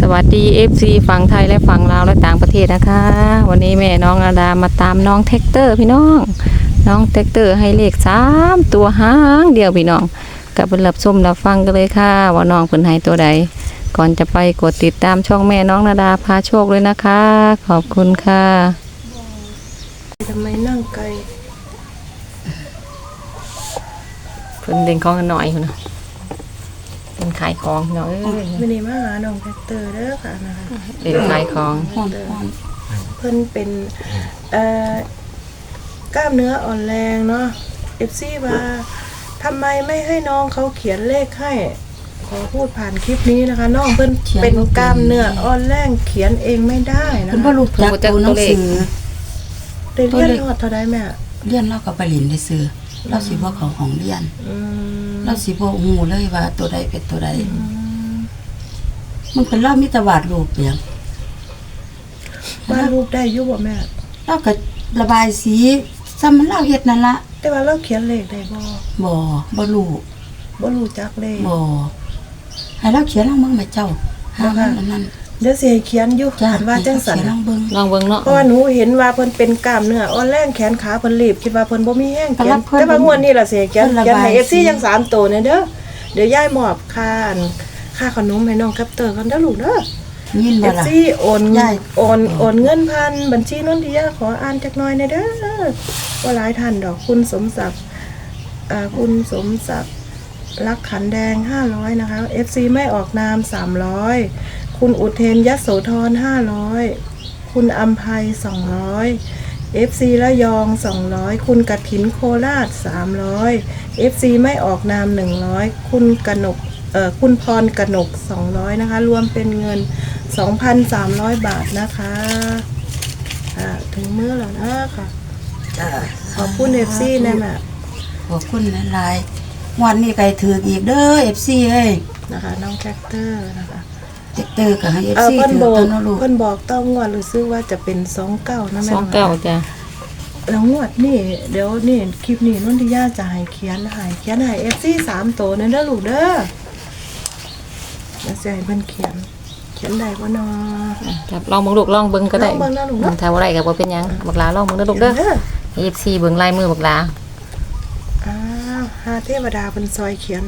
วัสดี FC ฝั่งไทยและฝั่งลาวและต่างประเทศนะคะวันนี้แม่น้องอาดามาตามน้องแท็กเตอร์พี่น้องแท็กเตอร์ให้เลข3ตัวหางเดียวพี่น้องกับเพิ่นรับชมรับฟังกันเลยค่ะว่าน้องเพิ่นให้ตัวใดก่อนจะไปกดติดตามช่องแม่น้องอาดาพาโชคเลยนะคะขอบคุณค่ะทำไมนั่งไกลเพิ่นเล่นของกันหน่อยพุ่นน่ะเป็นขายของเนาะไม่ได้มาหาน้องแท็กเตอร์เด้อค่ะนะคะเล่นขายของเพิ่นเป็นกล้ามเนื้ออ่อนแรงเนาะ FC ว่าทำไมไม่ให้น้องเขาเขียนเลขให้ขอพูดผ่านคลิปนี้นะคะน้องเพิ่นเป็นกล้ามเนื้ออ่อนแรงเขียนเองไม่ได้นะเพิ่นบ่รู้จักตัวหนังสือได้เรียนรอดเท่าใดแม่เรียนเราก็ไปเรียนได้ซื้อเราสิบ่เข้าห้องเรียนเราสิบ่ฮู้เลยว่าตัวใดเป็นตัวใดมันเป็นเรามีแต่วาดรูปเปียงวาดรูปได้อยู่บ่แม่เราก็ระบายสีซ้ำมันเราเฮ็ดนั่นล่ะแต่ว่าเราเขียนเลขได้บ่รู้จักเลขบ่ให้เราเขียนลองเบิ่งแม่เจ้าหาอันนั้นเดี๋ยวสิให้เขียนอยู่ว่าจังซั่นลองเบิ่งเนาะเพราะว่าหนูเห็นว่าเพิ่นเป็นกล้ามเนื้ออ่อนแรงแขนขาเพิ่นรีบคิดว่าเพิ่นบ่มีแรงเขียนแต่ว่างวดนี้ล่ะสิเขียนให้ FC ยัง3ตัวเนี่ยเด้อเดี๋ยวยายมอบค่าขนมให้น้องแคปเตอร์กันเด้อลูกเด้อยินบ่ล่ะ FC โอนเงินผ่านบัญชีนนทิยาขออ่านจักหน่อยหน่อยเด้อว่าหลายท่านดอกคุณสมศักดิ์รักขันแดง500นะคะ FC ไม่ออกนาม300คุณอุเทนยโสธร500คุณอัมภัย200 FC ระยอง200คุณกฐินโคราช300 FC ไม่ออกนาม100คุณพรกนก200นะคะรวมเป็นเงิน 2,300 บาทนะคะถึงมื้อแล้วนะค่ะขอบคุณ FC นะแม่ขอบคุณหลายๆวันนี้ก็ถืออีกเด้อ FC เอ้ยนะคะน้องแท็กเตอร์นะคะแท็กเตอร์ก็ให้ FC ถือตัวลูกเพิ่นบอกต้องงวดรู้สึกว่าจะเป็น29นะแม่ 29จ้ะแล้วงวดนี่เดี๋ยวนี่คลิปนี้นนทิยาจะให้เขียนให้ FC 3ตัวนั่นเด้อลูกเด้อแล้วสิให้เพิ่นเขียนได้บ่เนาะครับลองเบิ่งลูกลองเบิ่งก็ได้ถ้าบ่ได้ก็บ่เป็นหยังบักลาลองเบิ่งเด้อลูกเด้อ FC เบิ่งลายมือบักลาหาเทวดาเพิ่นซอยเขียน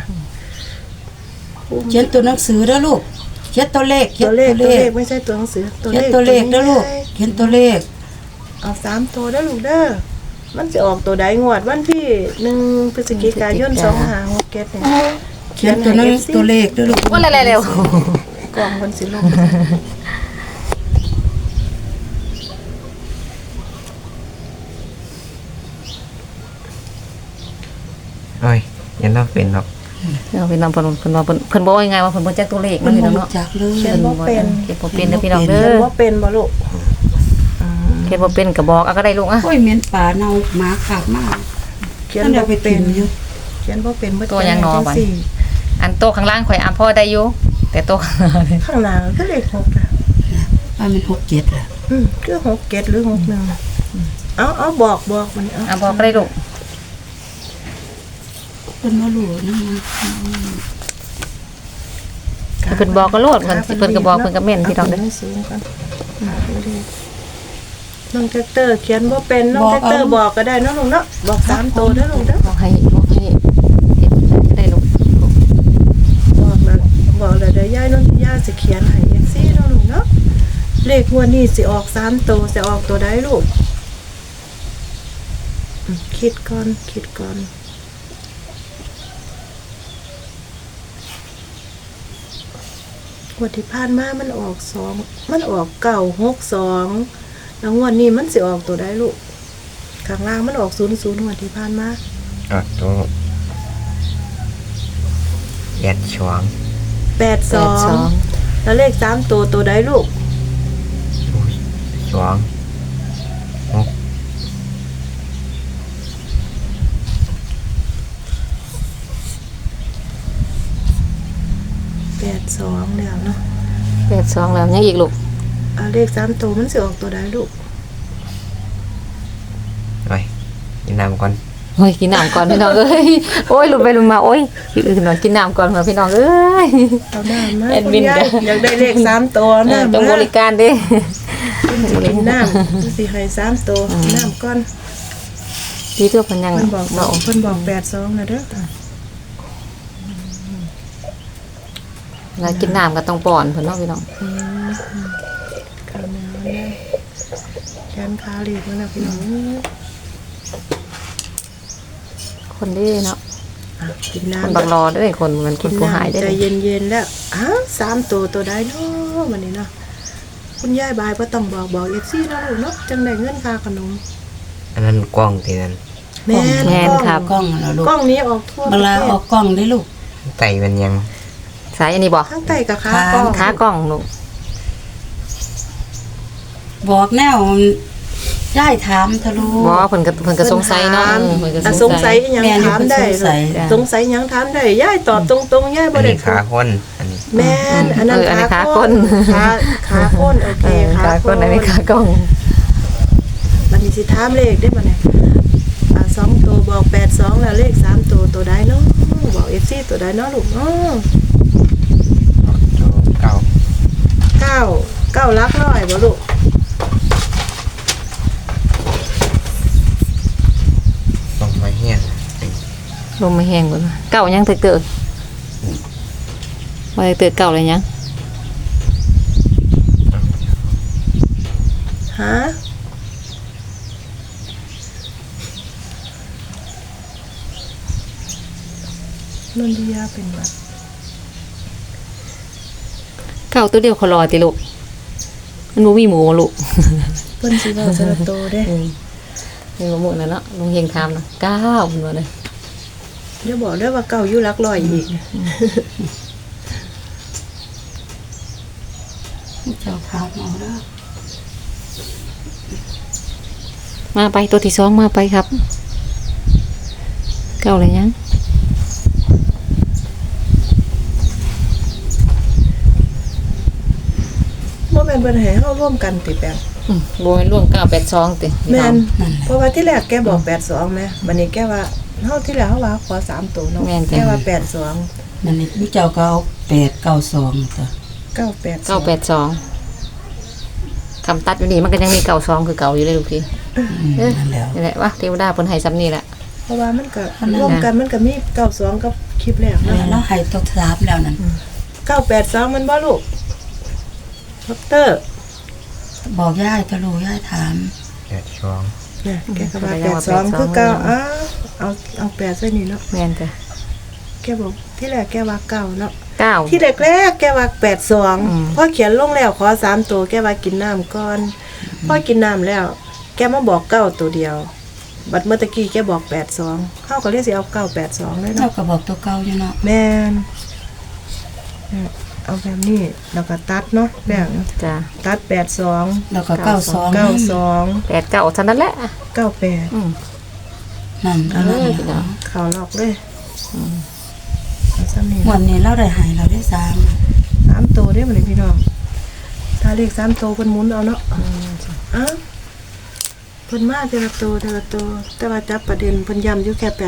ตัวหนังสือเด้อลูกเขียนตัวเลขไม่ใช่ตัวหนังสือเขียนตัวเลขเด้อลูกเขียนตัวเลขเอา3ตัวเด้อลูกเด้อมันสิออกตัวใดงวดวันที่1พฤศจิกายน2567เนี่ยเขียนตัวเลขเด้อลูกว่าเร็วๆกล่องเพิ่นสิลงโอ้ยยังต้องเป็นหรอกเป็นน้องเพิ่นบอกยังไงว่าเพิ่นบ่จักตัวเลขมันพี่น้องเนาะเขียนบ่เป็นเด้อพี่น้องเด้อเขียนบ่เป็นบ่ลูกเขียนบ่เป็นก็บอกเอาก็ได้ลูกโอ้ยเหม็นป่าเน่าหมาขาบมากเขียนบ่เป็นอยู่เขียนบ่เป็นตัวยังนอบัดอันโตข้างล่างข่อยอ่านพอได้อยู่แต่โตข้างหน้าก็เลข6อ่ะมัน67อ่ะคือ67หรือ61เอาบอกมันบอกก็ได้ลูกเพิ่นบ่รู้นะเพิ่นบอกก็โลดเพิ่นก็บอกเพิ่นก็แม่นพี่น้องเด้อน้องแท็กเตอร์เขียนบ่เป็นน้องแท็กเตอร์บอกก็ได้เนาะลูกเนาะบอก3ตัวเด้อลูกเด้อบอกให้เก็บได้ลูกบอกแล้วเดี๋ยวยายนนทิยาสิเขียนให้ FC เนาะลูกเนาะเลขงวดนี้สิออก3ตัวสิออกตัวใดลูกคิดก่อนงวดที่ผ่านมามันออก962แล้วงวดนี้มันสิออกตัวได้ลูกข้างล่างมันออก00งวดที่ผ่านมาตัว 82แล้วเลข3ตัวได้ลูก82แล้วเนาะ 82แล้วยังอีกลูกเลข3ตัวมันสิออกตัวใดลูกไปยินนำก่อนโอ้ยกินน้ำก่อนพี่น้องเอ้ยโอ้ยลุมไปลุมมาโอ้ยพี่อื่นหน่อยกินน้ำก่อนมาพี่น้องเอ้ยเอาหน้ามาแอดคุณมินยายจ้ะอยากได้เลข3ตัวหน้าต้องบมาริการเด้กินน้ำสิให้3ตัวน้ำก้อนพี่ตัวเพันยังเพิ่นบอกเนาะเพิ่นบอก82นะเด้อแล้วกินน้ำก็ต้องป้อนเพิ่นเนาะพี่น้องข้าวเหนียวเนี่ยแกนขาหลีกมันนะพี่น้องคนเด้เนาะอ่ะกินคนน้ำบักรอเด้อคนมันคนผู้หายได้ใจเลยเย็นๆแล้วอ้าว3ตัวใดเนาะวันนี้เนาะคุณยายบายบ่ต้องบอก FC เนาะลูกเนาะจังได้เงินค่าขนมอันนั้นกล้องที่นั่นแม่นแม่นครับกล้องแล้วลูกกล้องนี้ออกทั่วปเวระลาเทออกกล้องได้ลูกไตมันยังสายอันนี้บ่ทั้งไตกับขากล้องขากล้องลูกบอกแนวย้ายถามทะลุบ่เพิ่นก็สงสัยเนาะเพิ่นอ่ะก็สสงงสัสัยยอีหยังแม่นี่ถามได้เพิ่นสงสัยสงสัยหยังถามได้ยายตอบตรงๆยายบ่อันได้นี้ขาคนอันนี้แม่นอันนั้นอันนี้ขาขาคคน นขาคนโอเคขากล้องอันนี้ขากล้องบัดนี้สิถามเลขได้บ่เนี่ย2ตัวบอก82แล้วเลข3ตัวใดเนาะบอก FC ตัวใดเนาะลูกเนาะตัวเก่า 9หลักร้อยบ่ลูกลงมาเฮียนลมไม่แห้งก่อนเก่ายังเตอะว่าเตอะเก่าเลยยังฮะนนทิยาเป็นหวัดเก่าตัวเดียวเขารอติลูกมันบ่มีหมูลูกเพิ่นสิเว้าสระโตเด้มีบ่หมูนั่นเนาะลุงเฮงถามนะ9เพิ่นว่าเลยเดี๋ยวบอกได้ว่าเก่าอยู่หลักร้อยอีกเจ้าถามเอาเด้อมาไปตัวที่2มาไปครับเก่าเลยยังบ่แม่นเพิ่นให้เฮาร่วมกันติแปลงบ่แม่นร่วม982ติแม่นนั่นแหละเพราะว่าที่แรกแกบอก82แม่บัดนี้แกว่าเฮาที่แรกเฮาว่าขอ3ตัวเนาะแกว่า82 มันนี่พี่เจ้าก็เอา892ตัว 982 คำตัดอยู่นี่มันก็ยังมี92คือเก่าอยู่เลยลูกพี่นั่นแหล้วนี่แหละว่าเทวดาเพิ่นให้ซ้ำนี่แหละเพราะว่ามันก็ร่วมกันมันก็มี92กับคลิปแรกแล้เนาะวให้ตัวถามแล้วนั่น 982มันบ่ลูกดอกเตอร์บอกย้ายทะลุย้ายถามแดดช่วงเนี่ยแกก็ว่า82คือเก่าเอา8ใส่นี่เนาะแม่นจ้ะแกบอกที่แรกแกว่าเก่าเนาะ 9 ที่แรกๆแกว่า82พอเขียนลงแล้วขอ3ตัวแกว่ากินน้ำก่อนพอกินน้ำแล้ว แกมาบอก9ตัวเดียว บัดเมื่อตะกี้แกบอก82เฮาก็เลยสิเอา982เลยเจ้าเนาะก็บอกตัวเก่าอยู่เนาะแม่นเนี่ยเอาแบบนี้แล้วก็ตัดเนาะแบ่งจ้ะตัด82 แล้วก็92 92 89เท่านั้นแหละ 98 อืมนั่นอันนั้นพี่น้องเข้าล็อกเลยเอาซ้ำนี่วันนี้เราได้ใหายเราได้ 3ตัวเด้อบัดนี้พี่น้องถ้าเลข3ตัวเพิ่นหมุนเอาเนาะอ้าวเพิ่นมาแต่ละตัวแต่ว่าจับประเด็นเพิ่นย้ำอยู่แค่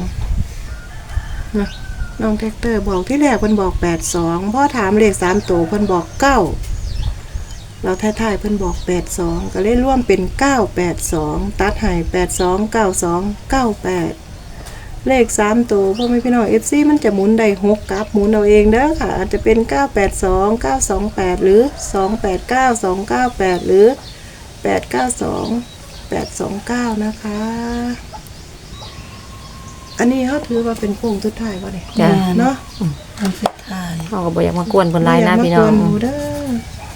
82นะน้องแท็กเตอร์บอกที่แรกเพิ่นบอก82พอถามเลข3ตัวเพิ่นบอก9เราท้ายๆเพิ่นบอก82ก็เลยร่วมเป็น982ตัดให้82 92 98เลข3ตัวพ่อแม่พี่น้อง FC มันจะหมุนได้6กับหมุนเอาเองเด้อค่ะอาจจะเป็น982 928หรือ289 298หรือ892 829นะคะ อันนี้เขาถือว่าเป็นโค้งสุดท้ายป่ะเนี่ยจ้ะเนาะคนสุดท้ายเฮาก็บ่อยากมากวนเพิ่นหลายนะพี่น้องย่ามากวนหมูเด้อ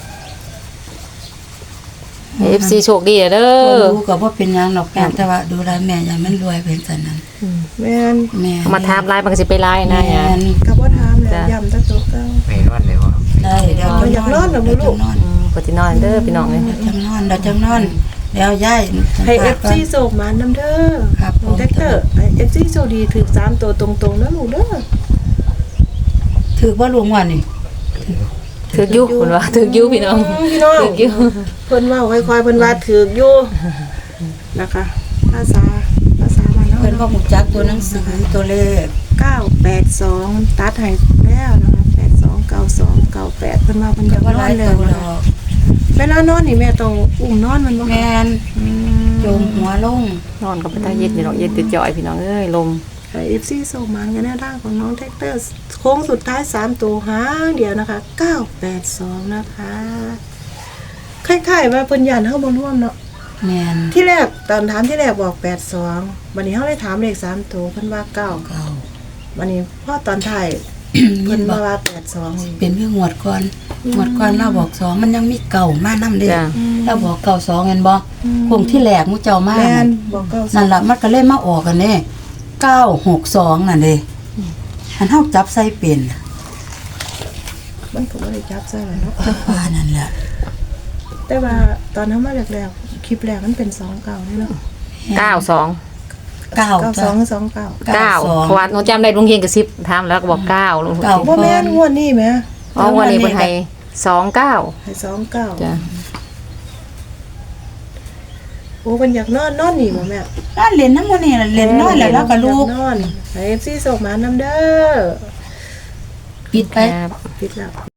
ให้ FC โชคดีเด้คนอรู้ก็บ่เป็นหยังหรอกแม่แต่ว่าดูแลแม่อย่ามันรวยเป็นสันนั้นแม่นแม่เอามาถามหลายมันก็สิไปหลายนะแม่เนี่ยนกับว่าถามเลยจ้ะย้ำตะโตเก้าไม่รอดเลยวะได้เดี๋ยวอยากนอนเหรอลูกเดี๋ยวจะนอนก็สินอนเด้อพี่น้องเอ้ยเดี๋ยวจะนอนเดี๋ยวจะนอนเดี๋ยวย้ายให้สัมภาษณ์ก่อน FC โศกหมานน้ำเด้อครับน้องแท็กเตอร์ให้ FC โชคดีถือ3ตัวตรงๆนะลูกเด้อถือว่าลวงวันนี่ถึกอยู่เพิ่นว่าถึกอยู่พี่น้องพี่น้องถึกอยู่เพิ่นเว้าค่อยๆเพิ่นว่าถือกอยู่นะคะภาษาบ้านเฮาไปพิ่นบ่ฮู้จักตัวหนังสือตัวเลข 982ตัดให้แล้วนะคะ8292 98เพิ่นว่าเพิ่นอยากบ่นหอลายนแล้ตัว วนะดคะอกเวลานอนนี่แม่ต้องอุ้มนอนมันบ่แม่นโจมหัวลงนอนกับพระเย็ดนี่เนาะเย็ดติดจ่อยพี่น้องเอ้ยลมเอฟซีส่งมากันแนวทางของน้องแท็กเตอร์โค้งสุดท้าย3ตัวหางเดียวนะคะ982นะคะคล้ายๆว่าเพิ่นยันเฮาบ่ร่วมเนาะแม่นที่แรกตอนถามที่แรกบอก82วันนี้เฮาเลยถามเลข3ตัวเพิ่นว่า9 เก่าวันนี้พอตอนท้ายเพิ่เพิ่นนบอมาก ว่า82 เป็นเรื่องงวดก่อนงวดก่อนเราบอก2มันยังมีเก่ามานำเด้จ้ะเราบอกเก่า2แม่นบ่คงที่แรกหมู่เจ้ามาแม่นบอก92 นั่นล่ะมันก็เลยมาออกกันเด้962นั่นเด้อันเฮาจับใส่เป็นมันก็บ่ได้จับใส่ไว้เนาะว่านั่นแหละแต่ว่าตอนเฮามาแรกๆคลิปแรกมันเป็น29นี่เนาะ 92 เก้าจ้ะ 92หรือ29 9เพราะว่าหนูจำได้ลุงเฮียนกระซิบถามแล้วก็บอก9ลุงเก้าบ่แม่นงวดนี้แหมอ๋อวันนี้เพิ่นให้29 ให้29 จ้ะโอ้มันอยากนอนนี่บ่แม่ร้านเล่นน้ำมันนี่ล่ะเล่นน้อยแล้วเราก็ลูกอยานอนให้ FC ส่งมานํเด้อปิดไปครับปิดแล้ว